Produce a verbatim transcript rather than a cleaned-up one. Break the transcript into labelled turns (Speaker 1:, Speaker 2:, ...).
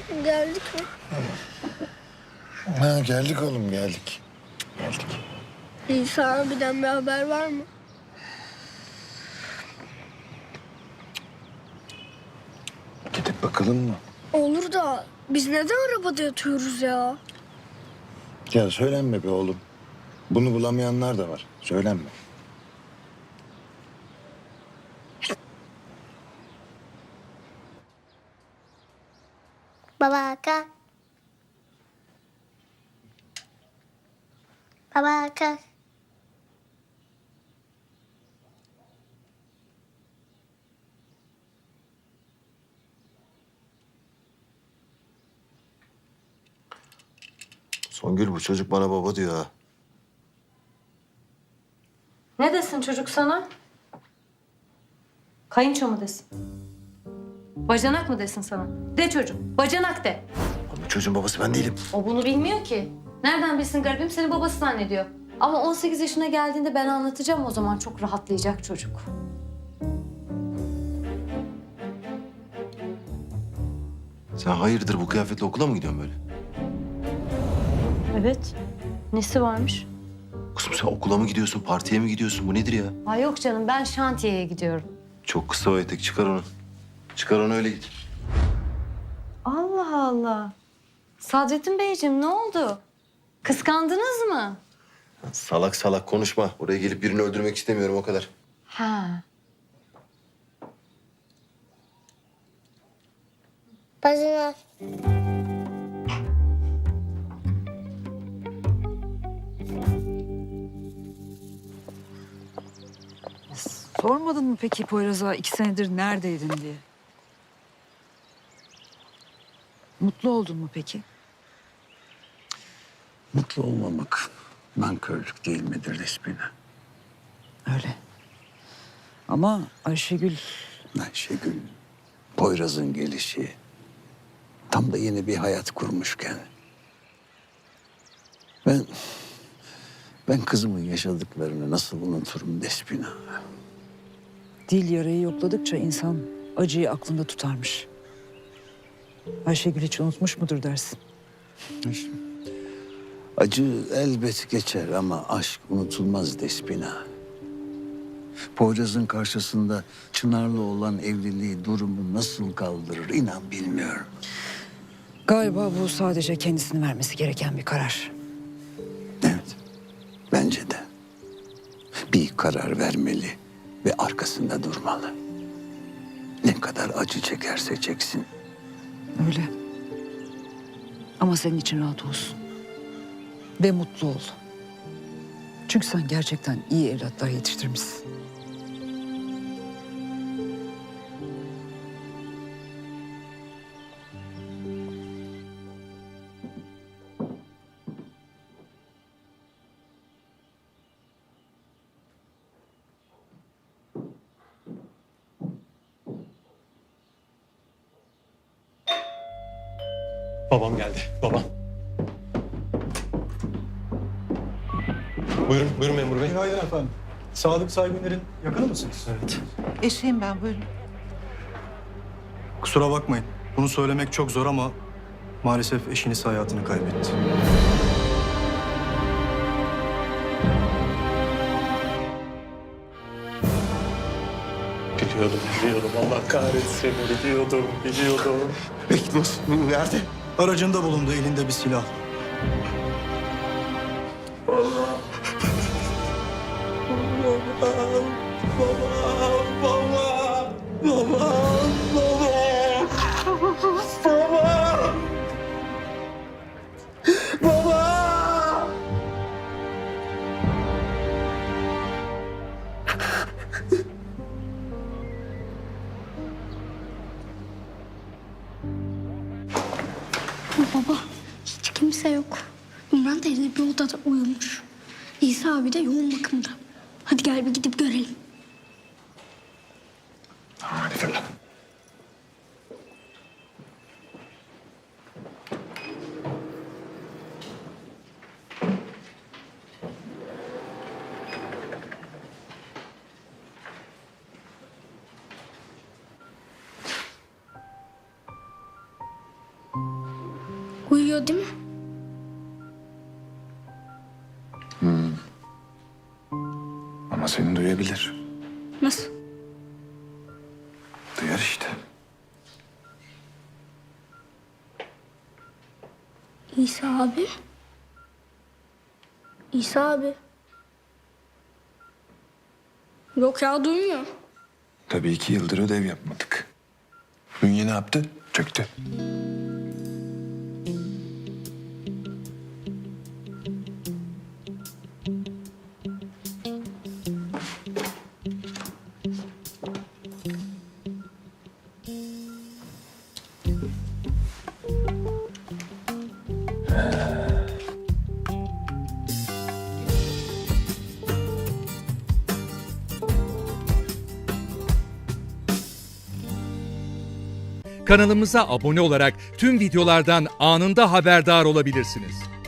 Speaker 1: Geldik mi?
Speaker 2: Ha, geldik oğlum geldik. Geldik.
Speaker 1: İsa abiden bir haber var mı?
Speaker 2: Gidip bakalım mı?
Speaker 1: Olur da biz neden arabada yatıyoruz ya?
Speaker 2: Ya söylenme be oğlum. Bunu bulamayanlar da var. Söylenme.
Speaker 1: Baba kalk. Baba kalk.
Speaker 2: Songül, bu çocuk bana baba diyor ha.
Speaker 3: Ne desin çocuk sana? Kayınço mu desin? Bacanak mı desin sana? De çocuk, bacanak de.
Speaker 2: Oğlum, bu çocuğun babası ben değilim.
Speaker 3: O bunu bilmiyor ki. Nereden bilsin garibim, seni babası zannediyor. Ama on sekiz yaşına geldiğinde ben anlatacağım, o zaman çok rahatlayacak çocuk.
Speaker 2: Sen hayırdır bu kıyafetle okula mı gidiyorsun böyle?
Speaker 3: Evet. Nesi varmış?
Speaker 2: Kızım sen okula mı gidiyorsun, partiye mi gidiyorsun? Bu nedir ya?
Speaker 3: Ay yok canım, ben şantiyeye gidiyorum.
Speaker 2: Çok kısa o etek, çıkar onu. Çıkar onu, öyle git.
Speaker 3: Allah Allah. Sadrettin Beyciğim ne oldu? Kıskandınız mı?
Speaker 2: Salak salak konuşma. Oraya gelip birini öldürmek istemiyorum, o kadar.
Speaker 3: Ha.
Speaker 1: Bacanak.
Speaker 4: Sormadın mı peki Poyraz'a iki senedir neredeydin diye? Mutlu oldun mu peki?
Speaker 5: Mutlu olmamak nankörlük değil midir Despina?
Speaker 4: Öyle. Ama Ayşegül
Speaker 5: Ayşegül, Poyraz'ın gelişi tam da yeni bir hayat kurmuşken ben ben kızımın yaşadıklarını nasıl unuturum Despina?
Speaker 4: dil yarayı yokladıkça insan acıyı aklında tutarmış. Ayşegül hiç unutmuş mudur dersin?
Speaker 5: Acı elbet geçer ama aşk unutulmaz Despina. Poyraz'ın karşısında Çınar'la olan evliliği durumu nasıl kaldırır inan bilmiyorum.
Speaker 4: Galiba bu sadece kendisini vermesi gereken bir karar.
Speaker 5: Evet, bence de. Bir karar vermeli ve arkasında durmalı. Ne kadar acı çekerse çeksin.
Speaker 4: Öyle. Ama senin için rahat olsun. Ve mutlu ol. Çünkü sen gerçekten iyi evlatlar yetiştirmişsin.
Speaker 6: Babam geldi, babam. Buyurun, buyurun memur bey.
Speaker 7: Günaydın efendim. Sadık Saygıner'in yakını mısınız?
Speaker 6: Evet.
Speaker 4: Eşeğim ben buyurun.
Speaker 7: Kusura bakmayın. Bunu söylemek çok zor ama maalesef eşiniz hayatını kaybetti.
Speaker 6: Biliyordum, biliyordum. Allah kahretsin, biliyordum, biliyordum.
Speaker 2: Peki nasıl? Nerede?
Speaker 7: Aracında bulundu, elinde bir silah.
Speaker 1: Baba hiç kimse yok. Ümran teyze bir odada uyumuş. İsa abi de yoğun bakımda. Hadi gel bir gidip görelim.
Speaker 2: Hadi fırla.
Speaker 1: duyuyor değil mi?
Speaker 2: Ama seni duyabilir.
Speaker 1: Nasıl?
Speaker 2: Duyar işte.
Speaker 1: İsa abi. İsa abi. Yok ya duymuyor.
Speaker 2: Tabii iki yıldır ödev yapmadık. Bünye ne yaptı? Çöktü.
Speaker 8: Kanalımıza abone olarak tüm videolardan anında haberdar olabilirsiniz.